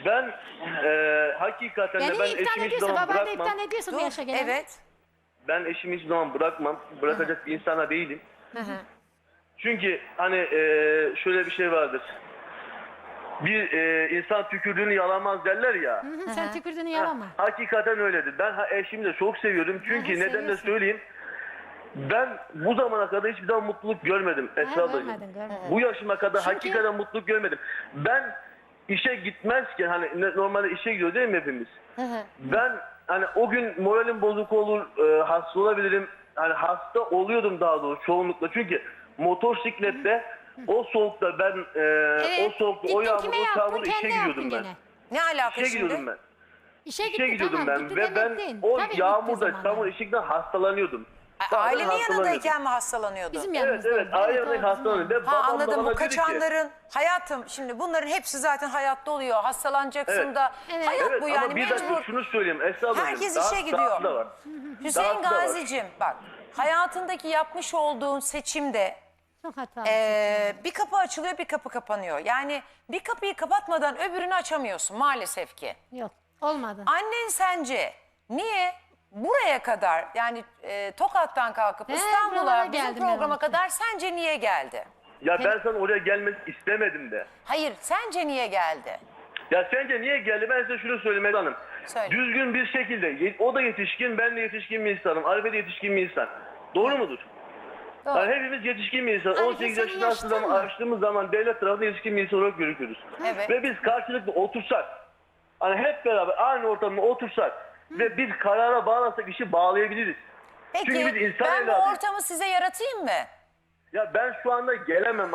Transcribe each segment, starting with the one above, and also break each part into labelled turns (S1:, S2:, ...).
S1: Ben hakikaten de
S2: Beni
S1: ben
S2: iptal
S1: eşimi hiç
S2: ediyorsun,
S1: zaman
S2: baban da
S1: bırakmam.
S2: iptal ediyorsun bu yaşa gelen.
S3: Evet.
S1: Ben eşimi hiç zaman bırakmam. Bırakacak bir insana değilim.
S3: Hı hı.
S1: Çünkü hani şöyle bir şey vardır. Bir insan tükürdüğünü yalamaz derler ya.
S2: Hı hı, sen tükürdüğünü yalama.
S1: Hakikaten öyledir. Ben eşimi de çok seviyorum. Çünkü neden de
S2: seviyorsun.
S1: söyleyeyim. Ben bu zamana kadar hiçbir zaman mutluluk görmedim Esra ablacığım.
S2: Görmedin.
S1: Bu yaşıma kadar
S2: Çünkü-
S1: hakikaten mutluluk görmedim. Ben işe gitmezken hani normalde işe gidiyor değil mi hepimiz? Ben hani o gün moralim bozuk olur, hasta olabilirim. Hani hasta oluyordum daha doğrusu çoğunlukla. Çünkü motosiklette o soğukta ben o soğukta o
S2: gittin kime
S1: yağmurda o
S2: yaptın?
S1: çamurda işe
S2: Kendine
S1: gidiyordum
S2: yaptın
S1: ben.
S2: gene.
S3: Ne alaka
S1: İşe
S3: şimdi?
S1: gidiyordum ben.
S2: İşe
S1: İşe
S2: gitti,
S1: gidiyordum
S2: tamam,
S1: ben
S2: gitti
S1: ve ben
S2: demektin.
S1: o
S2: Tabii, gittiği
S1: yağmurda
S2: zaman
S1: çamur
S2: yani.
S1: ışıktan hastalanıyordum. Bazen
S3: Ailenin
S1: hastalanıyordum.
S3: yanındayken mi hastalanıyordu?
S2: Bizim
S1: Evet
S2: yanımızda.
S1: evet ailemde
S2: bizim
S1: hastalanıyordum. Ve
S3: Ha,
S1: babam da
S3: anladım.
S1: bana
S3: Bu
S1: dedi ki.
S3: kaçanların hayatım, şimdi bunların hepsi zaten hayatta oluyor. Hastalanacaksın
S1: Evet.
S3: da.
S2: Evet.
S3: Hayat
S1: Evet
S3: bu
S1: ama
S3: yani
S1: bir dakika
S3: mecbur.
S1: şunu söyleyeyim Esra ablacığım.
S3: Herkes
S1: daha-
S3: işe gidiyor.
S1: Dahası da var.
S3: Hüseyin
S1: Dahası da var.
S3: Gazi'cim bak, hayatındaki yapmış olduğun seçimde
S2: Çok hatalı.
S3: bir kapı açılıyor, bir kapı kapanıyor. Yani bir kapıyı kapatmadan öbürünü açamıyorsun maalesef ki.
S2: Yok, olmadı.
S3: Annen sence niye buraya kadar, yani Tokat'tan kalkıp
S2: buralara
S3: İstanbul'a bizim
S2: geldim ben
S3: programa
S2: onun için.
S3: kadar sence niye geldi?
S1: Ya ben sana oraya gelmek istemedim de.
S3: Hayır, sence niye geldi?
S1: Ya sence niye geldi? Ben size şunu söyleyeyim Esra Hanım.
S3: Söyle.
S1: Düzgün bir şekilde o da yetişkin, ben de yetişkin bir insanım. Arife de yetişkin bir insan. Doğru mudur?
S3: Doğru.
S1: Yani hepimiz yetişkin bir insan.
S2: Arife
S1: 18
S2: senin
S1: yaşından
S2: yaşıtın
S1: sonra
S2: mı?
S1: açtığımız zaman devlet tarafından yetişkin bir insan olarak görülürüz.
S3: Evet.
S1: Ve biz karşılıklı otursak, hani hep beraber aynı ortamda otursak ve bir karara bağlasak işi bağlayabiliriz.
S3: Peki
S1: Çünkü biz insan
S3: ben bu
S1: evladıyız.
S3: ortamı size yaratayım mı?
S1: Ya ben şu anda gelemem.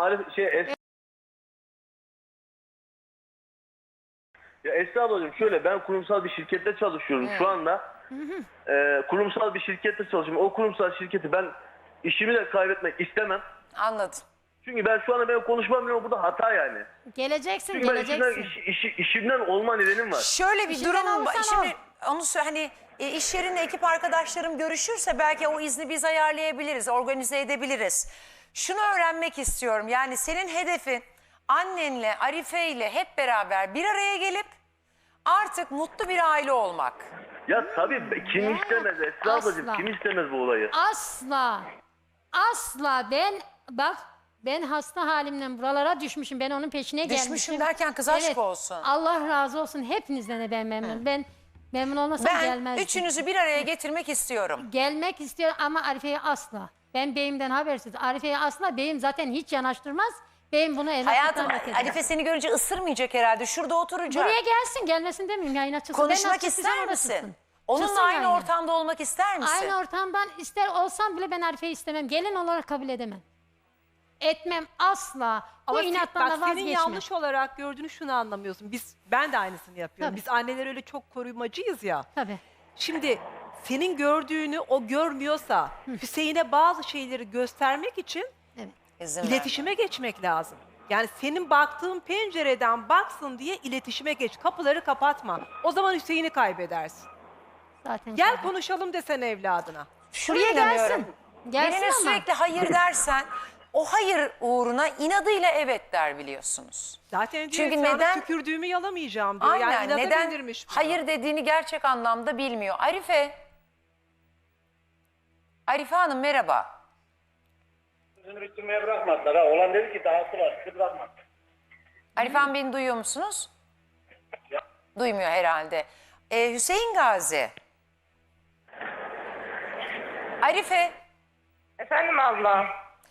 S1: Ya Esra ablacığım şöyle, ben kurumsal bir şirkette çalışıyorum şu anda. Kurumsal bir şirkette çalışıyorum. O kurumsal şirketi ben işimi de kaybetmek istemem.
S3: Anladım.
S1: Çünkü ben şu anda benim konuşmam bile burada hata yani.
S2: Geleceksin,
S1: Çünkü ben
S2: geleceksin.
S1: işimden olma nedenim var.
S3: Şöyle bir
S2: İşinden
S3: durum var.
S2: olursan
S3: Şimdi onu hani iş yerinde ekip arkadaşlarım görüşürse belki o izni biz ayarlayabiliriz, organize edebiliriz. Şunu öğrenmek istiyorum. Yani senin hedefin annenle, Arife ile hep beraber bir araya gelip artık mutlu bir aile olmak.
S1: Ya tabii kim istemez Esra ablacığım,
S2: asla.
S1: kim istemez bu olayı?
S2: Asla ben hasta halimden buralara düşmüşüm. Ben onun peşine gelmişim.
S3: Düşmüşüm derken kız aşk olsun.
S2: Allah razı olsun. Hepinizden de ben memnunum. Ben memnun olmasam
S3: Ben
S2: gelmezdim.
S3: üçünüzü bir araya getirmek istiyorum.
S2: Gelmek istiyor ama Arife'yi asla. Ben beyimden habersiz. Arife'yi asla, beyim zaten hiç yanaştırmaz. Beyim bunu
S3: Hayatım,
S2: evlatlıktan
S3: Arife seni görünce ısırmayacak herhalde. Şurada oturacak.
S2: Buraya gelsin, gelmesin demeyeyim, yayına çıksın. Ben
S3: Konuşmak
S2: nasıl
S3: ister
S2: çıksam
S3: misin?
S2: orası çıksın.
S3: Onunla
S2: Çıksın
S3: aynı
S2: yayına.
S3: ortamda olmak ister misin?
S2: Aynı ortamdan ister olsam bile ben Arife'yi istemem. Gelin olarak kabul edemem. Etmem asla.
S4: Ama
S2: Bu inattan da
S4: bak senin
S2: vazgeçmem.
S4: yanlış olarak gördüğünü şunu anlamıyorsun. Ben de aynısını yapıyorum.
S2: Tabii.
S4: Biz anneler öyle çok korumacıyız ya.
S2: Tabii.
S4: Şimdi senin gördüğünü o görmüyorsa Hüseyin'e bazı şeyleri göstermek için
S2: Evet.
S3: İzin ver.
S4: iletişime geçmek lazım. Yani senin baktığın pencereden baksın diye iletişime geç. Kapıları kapatma. O zaman Hüseyin'i kaybedersin.
S2: Zaten
S4: Gel
S2: kabul.
S4: konuşalım desene evladına.
S3: Şuraya
S2: Buraya
S3: inanıyorum.
S2: gelsin. Gelsin
S3: Birine
S2: ama.
S3: sürekli hayır dersen o hayır uğruna inadıyla evet der biliyorsunuz.
S4: Zaten diyor
S3: Çünkü
S4: Çünkü
S3: neden-
S4: tükürdüğümü yalamayacağım diyor.
S3: Aynen,
S4: Yani inada
S3: neden
S4: bindirmiş bunu.
S3: hayır dediğini gerçek anlamda bilmiyor. Arife. Arife Hanım merhaba.
S5: Sözünü bitirmeye bırakmadılar. Ha. Olan dedi ki dahası var. Sizi bırakmadı.
S3: Arife Hanım beni duyuyor musunuz? Duymuyor herhalde. Hüseyin Gazi. Arife.
S6: Efendim abla.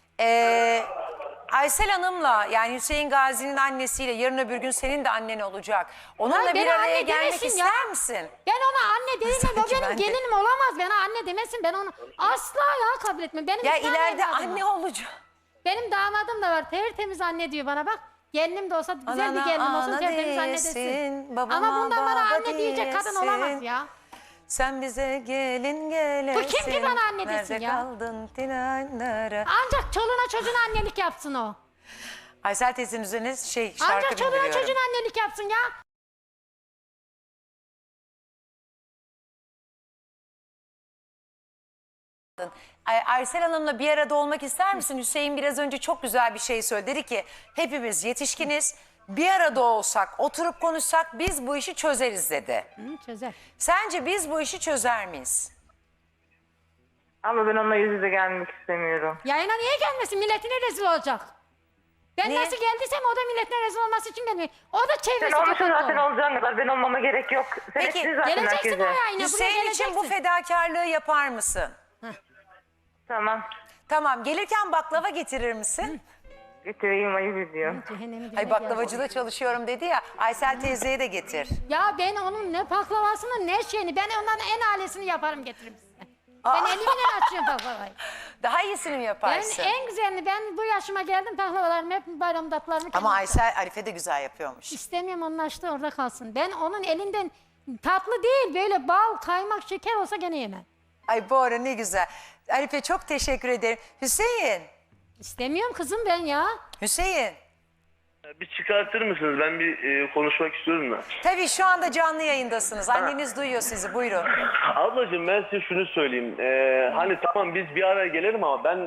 S3: Aysel Hanım'la, yani Hüseyin Gazi'nin annesiyle yarın öbür gün senin de annen olacak. Onunla
S2: Hayır,
S3: bir
S2: beni
S3: araya
S2: anne
S3: gelmek
S2: demesin
S3: ister
S2: ya.
S3: misin?
S2: Ben ona anne değilim. O
S3: Sanki
S2: benim
S3: ben de.
S2: gelinim olamaz. Bana anne demesin. Ben onu asla kabul etmem. Benim
S3: Ya
S2: bir tane
S3: ileride
S2: evladım
S3: anne
S2: var.
S3: olacak.
S2: Benim damadım da var. Tertemiz anne diyor bana, bak. Gelinim de olsa, güzel bir
S3: Anana
S2: gelinim olsun,
S3: ana
S2: tertemiz anne
S3: desin,
S2: desin.
S3: babama
S2: Ama bundan bana
S3: baba
S2: anne diyecek kadın olamaz
S3: diyesin.
S2: ya.
S3: Sen bize gelin gelesin.
S2: Bu kim ki bana anne desin
S3: Nerede
S2: ya?
S3: kaldın dilanlara?
S2: Ancak çoluğuna çocuğuna annelik yapsın o.
S3: Aysel teyzenin üzerine şarkı
S2: Ancak çoluğuna
S3: bindiriyorum.
S2: çocuğuna annelik yapsın ya.
S3: Aysel Hanım'la bir arada olmak ister misin? Hüseyin biraz önce çok güzel bir şey söyledi. Dedi ki hepimiz yetişkiniz. bir arada olsak, oturup konuşsak biz bu işi çözeriz dedi.
S2: Hı, çözer.
S3: Sence biz bu işi çözer miyiz?
S6: Ama ben onunla yüz yüze gelmek istemiyorum.
S2: Yayına niye gelmesin? Milletine rezil olacak. Ben
S3: Niye?
S2: nasıl geldiysem o da milletine rezil olması için gelmiyor. O da
S6: Sen
S2: çevresi
S6: olmuşsun
S2: kötü
S6: zaten
S2: olur.
S6: olacağın kadar ben olmama gerek yok. Sen
S3: Peki,
S6: ettin zaten
S2: Geleceksin
S6: herkese.
S2: o yayına. Buraya
S3: Hüseyin için bu
S2: geleceksin.
S3: fedakarlığı yapar mısın?
S6: Tamam.
S3: Tamam, gelirken baklava getirir misin?
S6: Getireyim ayıp ediyorum.
S2: Cehennemi
S3: Ay
S2: demek
S3: baklavacıda çalışıyorum dedi ya. Aysel teyzeye de getir.
S2: Ya ben onun ne baklavasını ne şeyini ben ondan en alesini yaparım getiririm size. Ben elimle açıyorum baklavayı.
S3: Daha iyisini mi
S2: Ben
S3: yaparsın?
S2: en güzelini ben bu yaşıma geldim baklavalarımı hep bayram tatlılarımı kendim
S3: Ama
S2: yapacağım.
S3: Aysel Arife de güzel yapıyormuş.
S2: İstemiyorum onun açtığı orada kalsın. Ben onun elinden tatlı değil böyle bal, kaymak, şeker olsa gene yemem.
S3: Ay bu ara ne güzel. Arife çok teşekkür ederim. Hüseyin,
S2: İstemiyorum kızım ben ya.
S3: Hüseyin.
S1: Bir çıkartır mısınız? Ben bir konuşmak istiyorum da.
S3: Tabii şu anda canlı yayındasınız. Anneniz duyuyor sizi. Buyurun.
S1: Ablacığım ben size şunu söyleyeyim. Hani tamam biz bir araya gelelim ama ben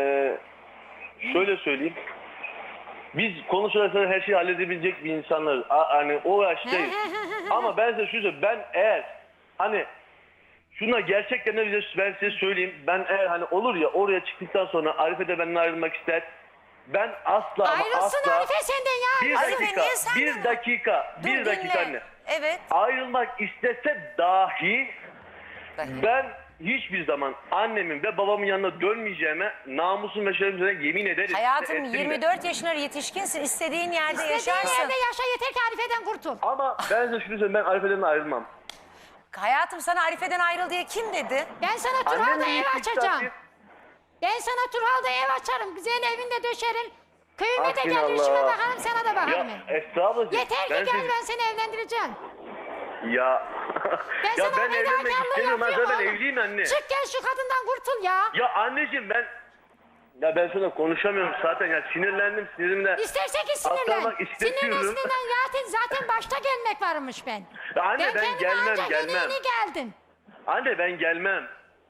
S1: şöyle söyleyeyim. Biz konuşarak her şeyi halledebilecek bir insanlarız. Hani o yaştayız. Ama ben size şunu söyleyeyim. Ben eğer hani şuna gerçekten de ben size söyleyeyim. Ben eğer hani olur ya oraya çıktıktan sonra Arife de benden ayrılmak ister. Ben asla ama
S2: Ayrılsın
S1: asla...
S2: Arife senden ya.
S1: Bir
S3: Arife,
S1: dakika,
S3: niye senden
S1: bir dakika,
S3: Dur,
S1: bir dakika
S3: dinle.
S1: anne.
S3: Evet.
S1: Ayrılmak istese dahi ben hiçbir zaman annemin ve babamın yanına dönmeyeceğime namusum ve şerefime yemin ederim.
S3: Hayatım
S1: Ettim de.
S3: 24 yaşına yetişkinsin. İstediğin yerde
S2: İstediğin
S3: yaşarsın.
S2: yerde yaşa yeter ki Arife'den kurtul.
S1: Ama ben size şunu söyleyeyim, ben Arife'den ayrılmam.
S3: Hayatım sana Arife'den ayrıl diye kim dedi?
S2: Ben sana Turhal'da
S1: Annemle
S2: ev
S1: ilk
S2: açacağım.
S1: saati-
S2: Ben sana Turhal'da ev açarım. Güzel evinde döşerim. Köyüme de gel
S1: Hasbinallah.
S2: işime bakarım sana da
S1: Ya
S2: bakarım.
S1: Esra ablacığım.
S2: Yeter ki gel ben seni evlendireceğim.
S1: Ya.
S2: Ben
S1: ya
S2: sana
S1: ben evlenmek
S2: fedakarlığı
S1: istemiyorum. Ben
S2: yapıyorum
S1: zaten
S2: oğlum.
S1: evliyim anne.
S2: Çık gel şu kadından kurtul ya.
S1: Ya anneciğim ben... Ya ben sana konuşamıyorum zaten ya sinirlendim sinirimden.
S2: İsterse ki sinirlen.
S1: Atlamak istemiyorum.
S2: Zaten başta gelmek varmış ben.
S1: Ya anne ben
S2: kendime
S1: gelmem
S2: ancak
S1: gelmem.
S2: yeni geldim.
S1: Anne ben gelmem.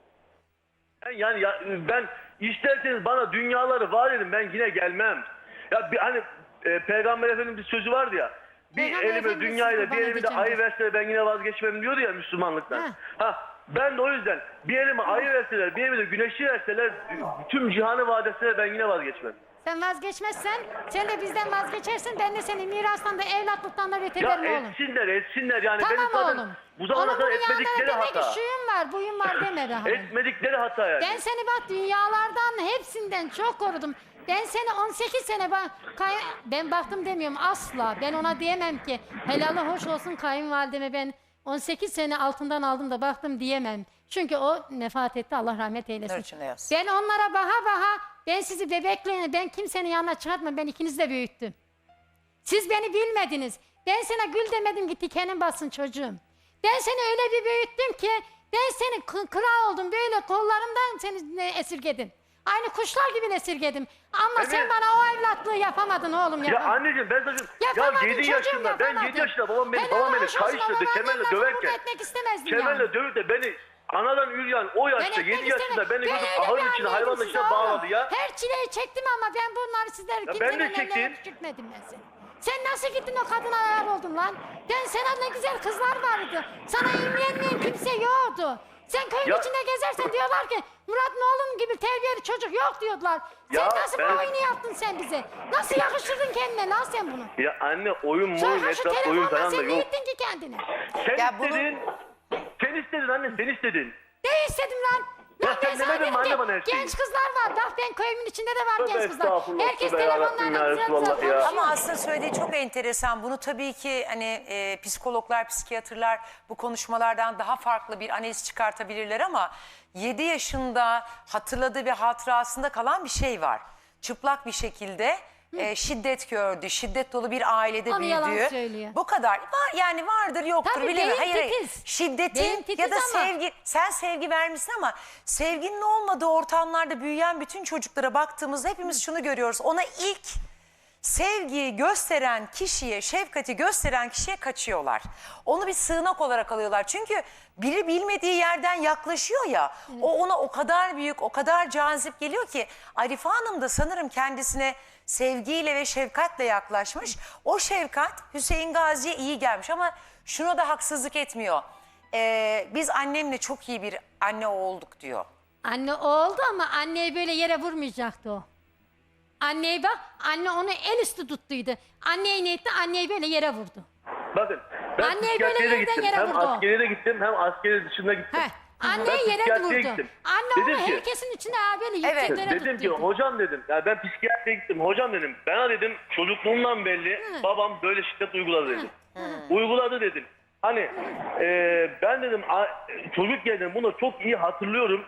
S1: Ben isterseniz bana dünyaları var edin ben yine gelmem. Ya bir hani Peygamber Efendimiz bir sözü vardı ya. Bir
S2: Peygamber
S1: elime
S2: Efendimiz
S1: dünyayla bir
S2: kurban
S1: elime de
S2: edeceğim
S1: ayı
S2: diyor.
S1: verseler ben yine vazgeçmem diyordu ya Müslümanlıktan.
S2: Ha.
S1: Ben de o yüzden bir elime ayı verseler bir elime de güneşi verseler tüm cihanı vaat etseler ben yine vazgeçmem.
S2: Sen vazgeçmezsen sen de bizden vazgeçersin. Ben de seni mirastan da evlatlıktan da
S1: Ya
S2: reddederim oğlum.
S1: etsinler yani benim
S2: Tamam
S1: zaten
S2: oğlum.
S1: bu zamana
S2: Onun
S1: kadar
S2: bunun yanında
S1: etmedikleri
S2: demek
S1: hata.
S2: ki şuyum var buyum var deme daha.
S1: Etmedikleri hata yani.
S2: Ben seni bak dünyalardan hepsinden çok korudum. Ben seni 18 sene ben baktım demiyorum asla. Ben ona diyemem ki helalı hoş olsun kayınvalideme ben 18 sene altından aldım da baktım diyemem. Çünkü o vefat etti Allah rahmet eylesin.
S3: Nur içinde yatsın.
S2: Ben onlara ben sizi bebekle ben kimsenin yanına çıkartmam ben ikinizi de büyüttüm. Siz beni bilmediniz. Ben sana gül demedim ki dikenin bassın çocuğum. Ben seni öyle bir büyüttüm ki ben seni kral oldum böyle kollarımdan seni esirgedim. Aynı kuşlar gibi esirgedim. Ama
S1: Evet.
S2: sen bana o evlatlığı yapamadın oğlum.
S1: Ya anneciğim ben sana
S2: Yapamadın,
S1: ya 7
S2: çocuğum,
S1: yaşında ben 7
S2: yapamadın.
S1: yaşında babam beni
S2: Hoş olsun
S1: kayıştırdı
S2: ama
S1: kemerle
S2: benden lafı
S1: döverken.
S2: burada etmek istemezdim
S1: Kemerle
S2: yani.
S1: dövüp de beni anadan üryan o yaşta
S2: Ben
S1: 7
S2: etmek
S1: yaşında
S2: istemem.
S1: beni
S2: Ben
S1: götürüp
S2: öyle bir
S1: ahırın içine
S2: anneydim
S1: hayvanın
S2: size
S1: içine
S2: oğlum.
S1: bağladı ya.
S2: Her çileyi çektim ama ben bunları sizler
S1: ben de
S2: kimsenin
S1: çektim.
S2: ellerine küçültmedim ben seni. Sen nasıl gittin o kadına ayar oldun lan? Ben sana ne güzel kızlar vardı. Sana imrenmeyen kimse yoktu. Sen köyün
S1: Ya-
S2: içinde gezersen diyorlar ki Murat Noğlum gibi terbiyeli çocuk yok diyorlar. Sen
S1: Ya
S2: nasıl
S1: ben-
S2: bu oyunu yaptın sen bize? Nasıl yakıştırdın kendine lan sen bunu?
S1: Ya anne oyun
S2: Şu
S1: oyun etrafta oyun
S2: telefonla
S1: falan da
S2: sen ne
S1: yok.
S2: ettin ki kendine?
S1: Sen
S3: Ya bunu-
S1: istedin. Sen istedin anne sen istedin.
S2: Ne istedim lan?
S1: Ya
S2: Lan
S1: sen
S2: ben sana
S1: demedin mi
S2: dedim
S1: anne
S2: ki,
S1: bana her şeyi?
S2: genç kızlar var. Bak ben köyümün içinde de var
S1: Tövbe
S2: genç kızlar.
S1: estağfurullah,
S2: Herkes
S1: tövbe yarabbim ya
S2: telefonlardan güzel güzel
S1: Resulallah ya.
S2: konuşuyor.
S3: Ama aslında söylediği çok enteresan. Bunu tabii ki hani psikologlar, psikiyatrlar bu konuşmalardan daha farklı bir analiz çıkartabilirler ama 7 yaşında hatırladığı bir hatırasında kalan bir şey var. Çıplak bir şekilde şiddet gördü, şiddet dolu bir ailede
S2: Onu yalan
S3: büyüdü.
S2: söylüyor.
S3: Bu kadar. Var yani vardır yoktur
S2: Tabii,
S3: bilemem.
S2: beyin
S3: Hayır,
S2: titiz.
S3: şiddetin
S2: Beyin titiz
S3: ya da
S2: ama-
S3: sevgi, sen sevgi vermişsin ama sevginin olmadığı ortamlarda büyüyen bütün çocuklara baktığımızda hepimiz şunu görüyoruz. Ona ilk sevgiyi gösteren kişiye, şefkati gösteren kişiye kaçıyorlar. Onu bir sığınak olarak alıyorlar. Çünkü biri bilmediği yerden yaklaşıyor ya. O ona o kadar büyük, o kadar cazip geliyor ki Arife Hanım da sanırım kendisine sevgiyle ve şefkatle yaklaşmış. O şefkat Hüseyin Gazi'ye iyi gelmiş ama şuna da haksızlık etmiyor. Biz annemle çok iyi bir anne olduk diyor.
S2: Anne oldu ama anneyi böyle yere vurmayacaktı o. Anneyi bak, anne onu el üstü tuttuydu. Anneyi ne etti? Anneyi böyle yere vurdu.
S1: Bakın ben
S2: Anneyi böyle
S1: psikiyatriye de
S2: yerden
S1: gittim.
S2: yere
S1: Hem
S2: vurdu.
S1: askeriye de gittim hem askeri dışında gittim.
S2: Heh, anneyi
S1: Ben
S2: yere
S1: psikiyatriye
S2: vurdu.
S1: gittim.
S2: Anne
S1: Dedim
S2: onu
S1: ki-
S2: herkesin içine böyle
S3: Evet.
S2: yükseklere
S1: Dedim ki
S2: tuttuydu.
S1: hocam dedim, ya ben psikiyatriye gittim. Hocam dedim, bana dedim çocukluğumdan belli babam böyle şiddet uyguladı dedim. Uyguladı dedim. Hani ben dedim çocuk dedim bunu çok iyi hatırlıyorum.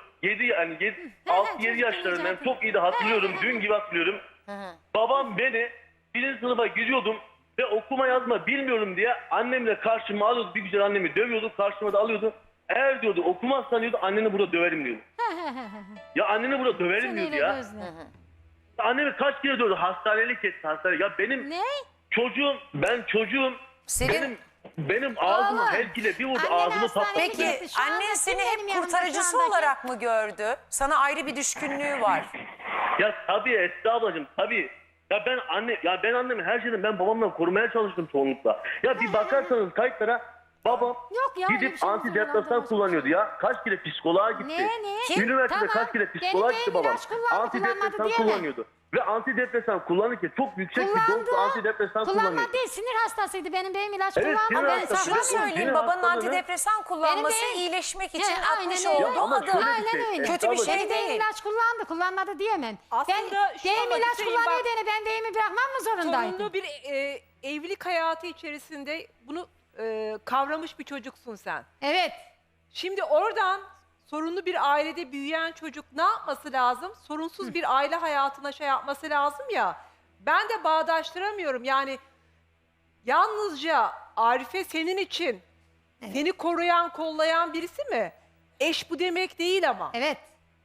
S1: 6-7 yaşlarından çok iyi de hatırlıyorum. Dün gibi hatırlıyorum. Babam beni 1. sınıfa gidiyordum ve okuma yazma bilmiyorum diye annemle karşıma alıyordu. Bir güzel annemi dövüyordu, karşıma da alıyordu. Eğer diyordu okumazsan diyordu anneni burada döverim diyordu. Ya anneni burada döverim diyordu
S2: Seniyle
S1: ya.
S2: gözle.
S1: Annemi kaç kere diyordu hastanelik etti hastane. Ya benim
S2: Ne?
S1: çocuğum
S3: Senin-
S1: benim ağzımı
S2: Oğlum,
S1: herkile bir vurdu
S2: annen
S1: ağzımı
S2: hastaneye
S1: patlattı.
S3: Peki
S2: gitti. Şu anda
S3: annen
S2: kim
S3: seni
S2: benim
S3: hep
S2: yanımda
S3: kurtarıcısı
S2: şu andaki?
S3: olarak mı gördü? Sana ayrı bir düşkünlüğü var.
S1: Ya tabii Esra ablacığım tabii. Ya ben annemi her şeyden ben babamdan korumaya çalıştım çoğunlukla. Ya bir bakarsanız kayıtlara babam
S2: Yok ya, öyle bir
S1: gidip
S2: şey
S1: antidepresan
S2: yok.
S1: kullanıyordu ya. Kaç kere psikoloğa gitti.
S2: Ne?
S1: Üniversitede
S2: Tamam,
S1: kaç kere
S2: benim
S1: psikoloğa
S2: de
S1: gitti babam.
S2: ilaç kullanmadı
S1: Antidepresan
S2: diyemem.
S1: kullanıyordu. Ve antidepresan kullanırken çok yüksek bir dozda antidepresan kullanıyordu.
S2: Kullanmadı değil, sinir hastasıydı. Benim beyim ilaç
S1: Evet,
S2: kullanmadı.
S1: sinir
S3: Ama ben
S1: hastası.
S3: şunu
S1: Saklamıyor.
S3: söyleyeyim,
S1: Sinir
S3: babanın
S1: hastalığını-
S3: antidepresan kullanması
S2: Benim beyim-
S3: iyileşmek için
S2: Ya,
S3: atmış
S2: aynen öyle.
S3: olduğu
S1: ama
S3: adım.
S1: şöyle bir
S2: Aynen
S1: şey,
S2: öyle.
S3: Kötü bir şey
S2: Benim beyim
S3: değil.
S2: ilaç kullanmadı diyemem.
S4: Aslında şu
S2: Beyim
S4: ama
S2: ilaç
S4: Hüseyin
S2: kullanıyor
S4: bak-
S2: diye ben beyimi bırakmam mı zorundaydım?
S4: Sorunlu bir evlilik hayatı içerisinde bunu kavramış bir çocuksun sen.
S2: Evet.
S4: Şimdi oradan sorunlu bir ailede büyüyen çocuk ne yapması lazım? Sorunsuz bir aile hayatına şey yapması lazım ya. Ben de bağdaştıramıyorum. Yani yalnızca Arife senin için seni koruyan, kollayan birisi mi? Eş bu demek değil ama.
S2: Evet.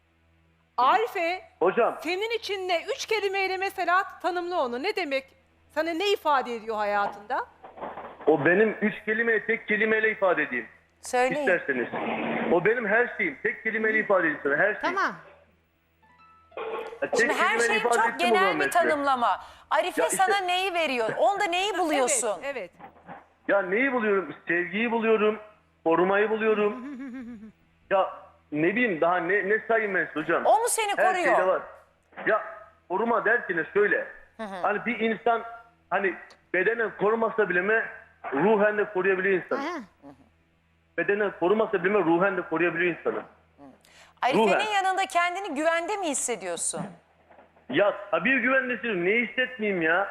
S4: Arife
S1: Hocam
S4: senin için ne? 3 kelimeyle mesela tanımla onu. Ne demek? Sana ne ifade ediyor hayatında?
S1: o benim 3 kelimeyi tek kelimeyle ifade edeyim.
S3: Söyleyin.
S1: İsterseniz. O benim her şeyim. Tek kelimeyle ifade edeyim sana her şeyim.
S2: Tamam.
S1: Ya, tek
S3: Şimdi her
S1: kelimeyle
S3: şey
S1: ifade
S3: çok
S1: ettim o zaman
S3: genel
S1: ben
S3: bir
S1: size.
S3: tanımlama. Arife
S1: Ya işte-
S3: sana neyi veriyor? Onda neyi buluyorsun?
S4: Evet, evet.
S1: Ya neyi buluyorum? Sevgiyi buluyorum. Korumayı buluyorum. Ya ne bileyim daha ne sayayım ben size hocam.
S3: O mu seni
S1: Her
S3: koruyor?
S1: şeyde var. Ya koruma derken şöyle. Hani bir insan hani bedenen korumasa bile mi ruhen de koruyabiliyor insanı.
S2: Aha.
S1: Bedenen korumasa bile mi ruhen de koruyabiliyor insanı.
S3: Arife'nin
S1: Ruhen.
S3: yanında kendini güvende mi hissediyorsun?
S1: Ya tabii güvendesin. Ne hissetmeyeyim ya?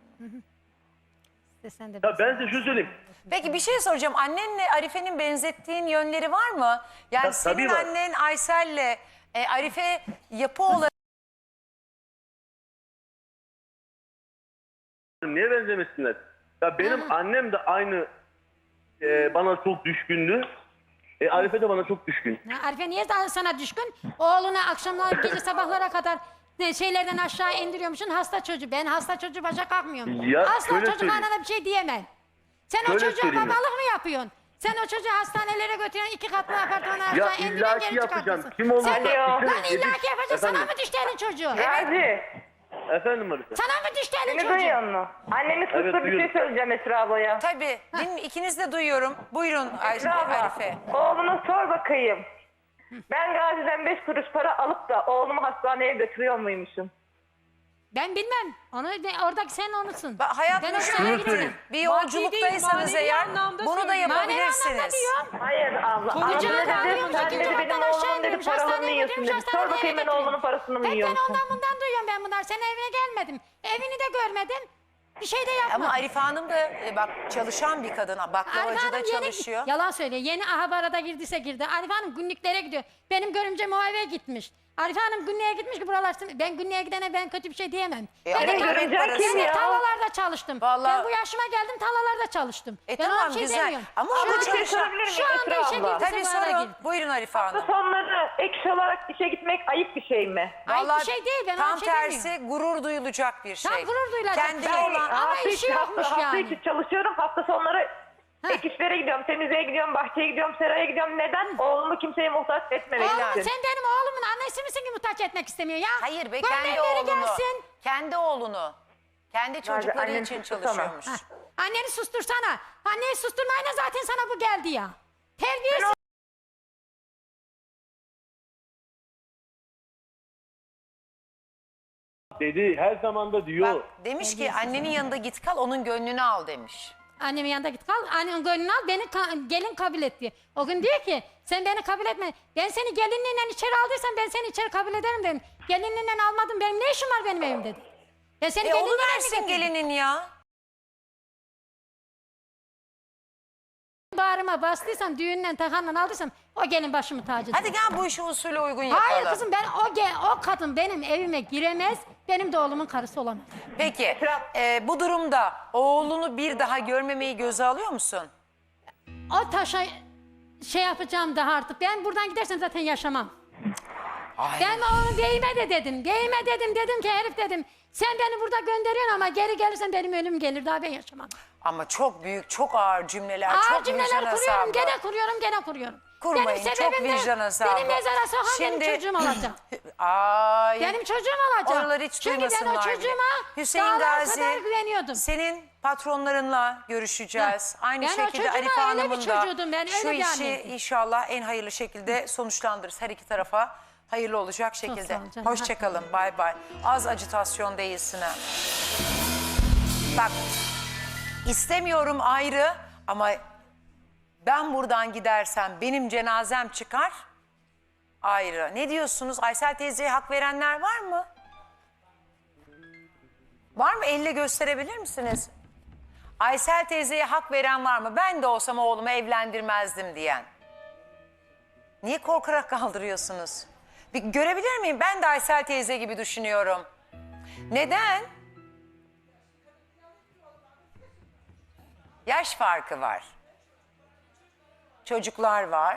S2: Sen de
S1: Ya ben size şunu söyleyeyim.
S3: Peki bir şey soracağım. Annenle Arife'nin benzettiğin yönleri var mı? Yani
S1: Ya, tabii
S3: senin
S1: var.
S3: annen Aysel'le Arife yapı olarak
S1: Niye benzemesinler? Ya benim annem de aynı bana çok düşkündü. Arife de bana çok düşkün.
S2: Ha, Arife niye daha sana düşkün? Oğluna akşamlar gece sabahlara kadar şeylerden aşağı indiriyormuşsun hasta çocuğu. Ben hasta çocuğu başa kalkmıyorum.
S1: Ya,
S2: Asla
S1: şöyle
S2: çocuk
S1: söyleyeyim.
S2: anana bir şey diyemem. Sen o
S1: Şöyle
S2: çocuğa
S1: söyleyeyim.
S2: babalık mı yapıyorsun? Sen o çocuğu hastanelere götürüyorsun, 2 katlı apartmana
S1: Ya
S2: aşağı indiriyorsun,
S1: illaki
S2: geri
S1: yapacağım.
S2: çıkartıyorsun.
S1: Kim olursa
S2: Sen
S6: Alo.
S2: lan illaki yapacaksın. Sana
S1: Efendim?
S2: mı düştü elin çocuğu?
S6: Gazi,
S1: Efendim Arife.
S2: Sana mı düştü elin
S6: beni
S2: çocuğu?
S6: duyuyor musun? Annemi sustur
S1: Evet,
S6: bir şey
S1: duyuyorum.
S6: söyleyeceğim Esra ablaya.
S3: tabii ikiniz de duyuyorum. Buyurun
S6: Esra abla,
S3: Arife.
S6: oğluna sor bakayım. Ben Gazi'den 5 kuruş para alıp da oğlumu hastaneye götürüyor muymuşum?
S2: Ben bilmem. Oradaki sen onusun.
S3: Hayat
S2: Ben
S3: müşterek
S2: oraya
S1: Şunu
S2: gittim.
S1: söyleyeyim.
S3: bir
S4: Maddi
S3: yolculuktaysanız
S4: değil,
S3: eğer
S4: manevi anlamda
S3: bunu da
S4: söylüyorum.
S2: Manevi anlamda
S3: yapabilirsiniz.
S2: diyorum.
S6: Hayır abla.
S4: Çocuğu
S6: Abla dedi,
S2: kaldırıyormuş,
S6: sen
S2: ikinci
S6: dedi benim
S2: kattan aşağı
S6: oğlumun dedi
S2: indirmiş,
S6: paramı mı
S2: hastaneye
S6: yiyorsun
S2: götürmüş,
S6: dedi. Sor
S2: hastaneye
S6: bakayım ben
S2: götürmüş.
S6: oğlumun parasını mı
S2: Hep ben
S6: yiyorsun?
S2: ondan bundan duyuyorum ben bunlar. Senin evine gelmedim. Evini de görmedim. Bir şey de yapmadım.
S3: Ama Arife Hanım da bak çalışan bir kadın.
S2: Arife
S3: Baklavacıda
S2: Hanım
S3: çalışıyor.
S2: Yalan söylüyor. Yeni Ahabara'da girdiyse girdi. Arife Hanım günlüklere gidiyor. Benim görümcem o eve gitmiş. Arife Hanım günlüğe gitmiş ki buralar... Ben günlüğe gidene ben kötü bir şey diyemem. Ben de
S3: ama
S2: tarla-
S3: görümcen
S2: ben
S3: kim
S2: de
S3: ya?
S2: tarlalarda çalıştım.
S3: Vallahi-
S2: Ben bu yaşıma geldim tarlalarda çalıştım. Ben ona
S3: Tamam
S2: bir şey
S3: güzel.
S2: demiyorum.
S3: Ama
S2: Şu
S3: orada
S2: an-
S6: Bir şey
S3: çalışan...
S6: sorabilir miyim
S2: Şu anda
S6: Esra
S2: işe
S6: abla?
S2: girdi.
S3: Tabii
S2: Sabahlara
S3: sorun.
S2: girdi.
S3: Buyurun Arife Hanım.
S6: Sonları ek iş olarak işe gitmek ayıp bir şey mi?
S2: Ayıp
S3: Vallahi
S2: bir şey değil. Ben ona
S3: tam
S2: bir şey
S3: tersi
S2: demiyorum.
S3: gurur duyulacak bir şey.
S2: Tam gurur duyulacak bir
S3: Kendine
S2: şey.
S3: olan...
S2: Ama işi yokmuş
S6: hafta
S2: yani.
S6: içi çalışıyorum. Hafta sonları Ek işlere gidiyorum, temizliğe gidiyorum, bahçeye gidiyorum, seraya gidiyorum. Neden? Oğlumu kimseye muhtaç etmemek
S2: Oğlum
S6: için.
S2: sen benim oğlumun annesi misin ki muhtaç etmek istemiyor ya?
S3: Hayır be,
S2: Gönder
S3: kendi
S2: beni
S3: oğlunu.
S2: gelsin.
S3: Kendi oğlunu. Kendi çocukları
S6: annem
S3: için
S6: sustursana.
S3: çalışıyormuş.
S2: Ha, anneni sustursana. Anneyi susturmayla zaten sana bu geldi ya. Terbiyesiz.
S1: Dedi her zaman da diyor.
S3: Bak demiş ki annenin yanında git kal, onun gönlünü al demiş.
S2: Annemin yanında git kal. Annenin gönlünü al. Beni gelin kabul et diye. O gün diyor ki sen beni kabul etme. Ben seni gelinliğiyle içeri aldıysam ben seni içeri kabul ederim dedim. Gelinliğiyle almadım. Benim ne işim var benim evimde dedi. Ya seni gelinliğiyle mi
S3: Oluversin
S2: getirdim?
S3: gelinin ya.
S2: Bağrıma bastıysam, düğünden takanla aldıysam o gelin başımı tacıdır.
S3: Hadi gel bu işi usulü uygun yapalım.
S2: Hayır kızım ben o kadın benim evime giremez. Benim de oğlumun karısı olamaz.
S3: Peki bu durumda oğlunu bir daha görmemeyi göze alıyor musun?
S2: O taşa şey yapacağım daha artık. Ben buradan gidersem zaten yaşamam.
S3: Ay.
S2: Ben onu beyime de dedim. Beyime dedim ki herif dedim. Sen beni burada gönderiyorsun ama geri gelirsen benim ölüm gelir. Daha ben yaşamam.
S3: Ama çok büyük, çok ağır cümleler,
S2: Ağır
S3: çok
S2: cümleler
S3: vicdan
S2: kuruyorum.
S3: azabı.
S2: Gene kuruyorum.
S3: Kurmayın,
S2: benim
S3: çok
S2: sebebim de
S3: vicdan azabı.
S2: benim mezara sokan benim çocuğum olacak.
S3: Ay.
S2: Benim çocuğum olacak.
S3: Oraları hiç
S2: Çünkü ben o
S3: duymasınlar bile.
S2: çocuğuma
S3: Hüseyin
S2: dağlar
S3: Gazi,
S2: kadar güveniyordum.
S3: senin patronlarınla görüşeceğiz. Aynı
S2: Ben o
S3: şekilde
S2: çocuğuma
S3: Arife
S2: öyle bir
S3: Hanım'ın da
S2: çocuğudum ben,
S3: şu
S2: öyle bir
S3: işi
S2: anneydim.
S3: inşallah en hayırlı şekilde sonuçlandırırız. Her iki tarafa hayırlı olacak şekilde.
S2: sağ ol canım.
S3: Hoşçakalın, bay bay. Az ajitasyon değilsin ha. Bak, istemiyorum ayrı ama ben buradan gidersem benim cenazem çıkar ayrı. Ne diyorsunuz? Aysel teyzeye hak verenler var mı? Var mı? Elle gösterebilir misiniz? Aysel teyzeye hak veren var mı? Ben de olsam oğlumu evlendirmezdim diyen. Niye korkarak kaldırıyorsunuz? Bir görebilir miyim? Ben de Aysel teyze gibi düşünüyorum. Neden? Yaş farkı var. Çocuklar var.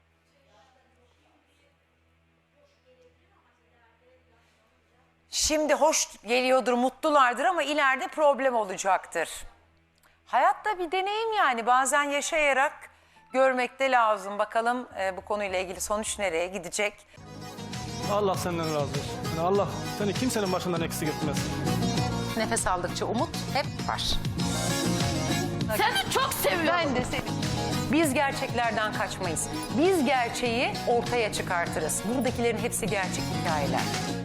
S3: Şimdi hoş geliyordur, mutlulardır ama ileride problem olacaktır. Hayatta bir deneyim yani. Bazen yaşayarak görmek de lazım. Bakalım bu konuyla ilgili sonuç nereye gidecek?
S7: Allah senden razı olsun. Yani Allah seni kimsenin başından eksik etmez.
S3: Nefes aldıkça umut hep var.
S2: Seni çok seviyorum.
S3: Ben de seni. Biz gerçeklerden kaçmayız. Biz gerçeği ortaya çıkartırız. Buradakilerin hepsi gerçek hikayeler.